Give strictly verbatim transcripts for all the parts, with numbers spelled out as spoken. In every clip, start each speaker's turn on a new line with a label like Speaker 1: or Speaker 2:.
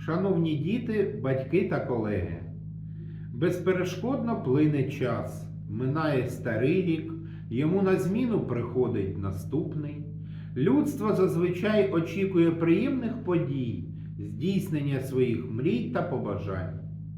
Speaker 1: Шановні діти, батьки та колеги, безперешкодно плине час, минає старий рік, йому на зміну приходить наступний. Людство зазвичай очікує приємних подій, здійснення своїх мрій та побажань.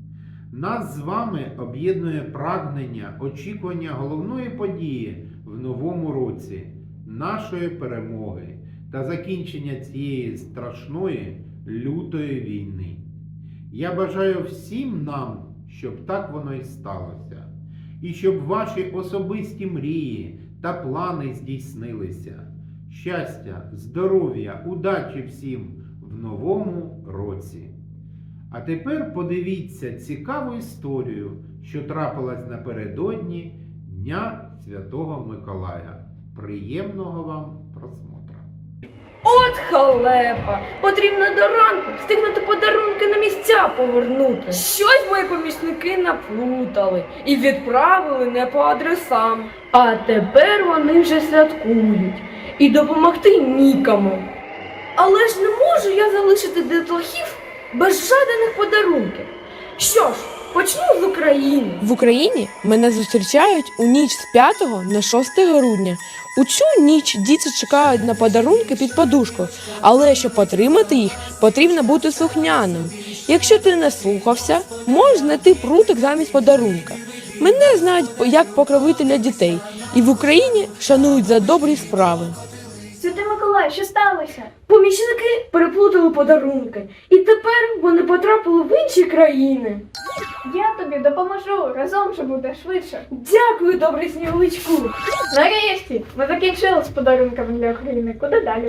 Speaker 1: Нас з вами об'єднує прагнення очікування головної події в новому році, нашої перемоги та закінчення цієї страшної, лютої війни. Я бажаю всім нам, щоб так воно і сталося, і щоб ваші особисті мрії та плани здійснилися. Щастя, здоров'я, удачі всім в новому році! А тепер подивіться цікаву історію, що трапилась напередодні Дня Святого Миколая. Приємного вам просмотра!
Speaker 2: От халепа! Потрібно до ранку встигнути подарунки на місця повернути. Щось мої помічники наплутали і відправили не по адресам. А тепер вони вже святкують і допомогти нікому. Але ж не можу я залишити дітлахів без жаданих подарунків. Що ж, почну з України.
Speaker 3: В Україні мене зустрічають у ніч з п'ятого на шосте грудня. У цю ніч діти чекають на подарунки під подушкою, але щоб отримати їх, потрібно бути слухняним. Якщо ти не слухався, можеш знайти прутик замість подарунка. Мене знають як покровителя дітей, і в Україні шанують за добрі справи.
Speaker 2: Святий Миколай, що сталося? Помічники переплутали подарунки, і тепер вони потрапили в інші країни.
Speaker 4: Я тобі допоможу, разом же буде швидше.
Speaker 2: Дякую, добрий сніговичку.
Speaker 4: Нарешті, ми закінчили з подарунками для України. Куди далі?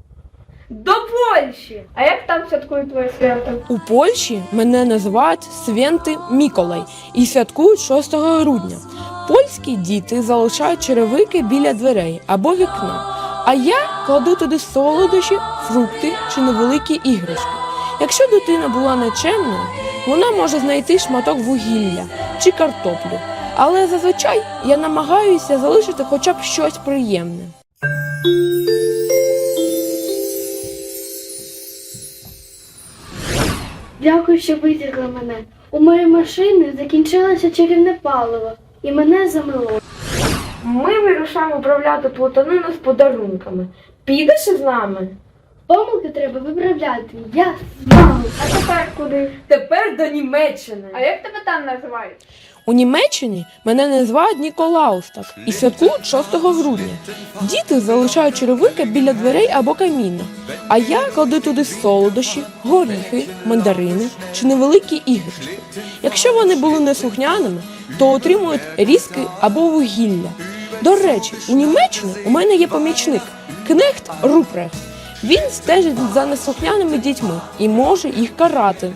Speaker 2: До Польщі!
Speaker 4: А як там святкують твоє свято?
Speaker 3: У Польщі мене називають Святий Миколай і святкують шостого грудня. Польські діти залишають черевики біля дверей або вікна, а я кладу туди солодощі, фрукти чи невеликі іграшки. Якщо дитина була нечемною, вона може знайти шматок вугілля чи картоплю, але зазвичай я намагаюся залишити хоча б щось приємне.
Speaker 5: Дякую, що витягли мене. У моєї машини закінчилося чарівне паливо, і мене замило.
Speaker 2: Ми вирушаємо управляти плутанину з подарунками. Підеш із нами?
Speaker 5: Помилки треба виправляти. Я з вами.
Speaker 4: А тепер куди?
Speaker 2: Тепер до Німеччини.
Speaker 4: А як тебе там називають?
Speaker 3: У Німеччині мене називають Ніколаустак і святкують шостого грудня. Діти залишають черевики біля дверей або каміна, а я кладу туди солодощі, горіхи, мандарини чи невеликі іграшки. Якщо вони були неслухняними, то отримують різки або вугілля. До речі, у Німеччині у мене є помічник – кнехт Рупрехт. Він стежить за неслухняними дітьми і може їх карати.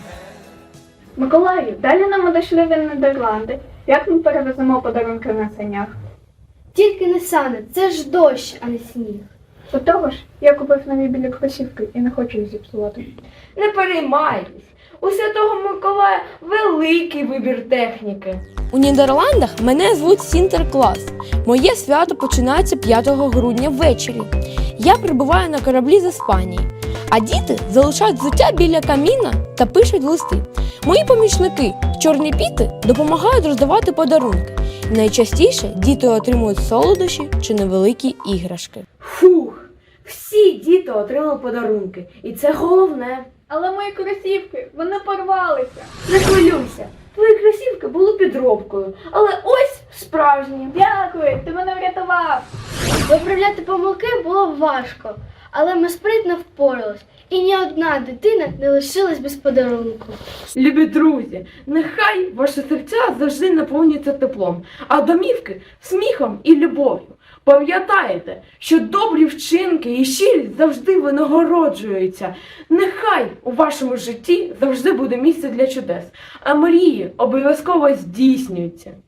Speaker 4: Миколаю, далі нам одійшли в Нідерланди. Як ми перевеземо подарунки на санях?
Speaker 5: Тільки не сани, це ж дощ, а не сніг.
Speaker 4: До того ж, я купив нові білі кросівки і не хочу їх зіпсувати.
Speaker 2: Не переймайтесь. У Святого Миколая великий вибір техніки.
Speaker 3: У Нідерландах мене звуть Сінтерклас. Моє свято починається п'ятого грудня ввечері. Я прибуваю на кораблі з Іспанії, а діти залишають взуття біля каміна та пишуть листи. Мої помічники, чорні піти, допомагають роздавати подарунки. Найчастіше діти отримують солодощі чи невеликі іграшки.
Speaker 2: Фух, всі діти отримали подарунки, і це головне.
Speaker 4: Але мої кросівки, вони порвалися.
Speaker 2: Не хвилюйся, твої кросівки були підробкою, але ось справжні.
Speaker 4: Дякую, ти мене врятував.
Speaker 5: Виправляти помилки було важко, але ми спритно впорались, і ні одна дитина не лишилась без подарунку.
Speaker 2: Любі друзі, нехай ваші серця завжди наповнюються теплом, а домівки – сміхом і любов'ю. Пам'ятайте, що добрі вчинки і щирість завжди винагороджуються. Нехай у вашому житті завжди буде місце для чудес, а мрії обов'язково здійснюються.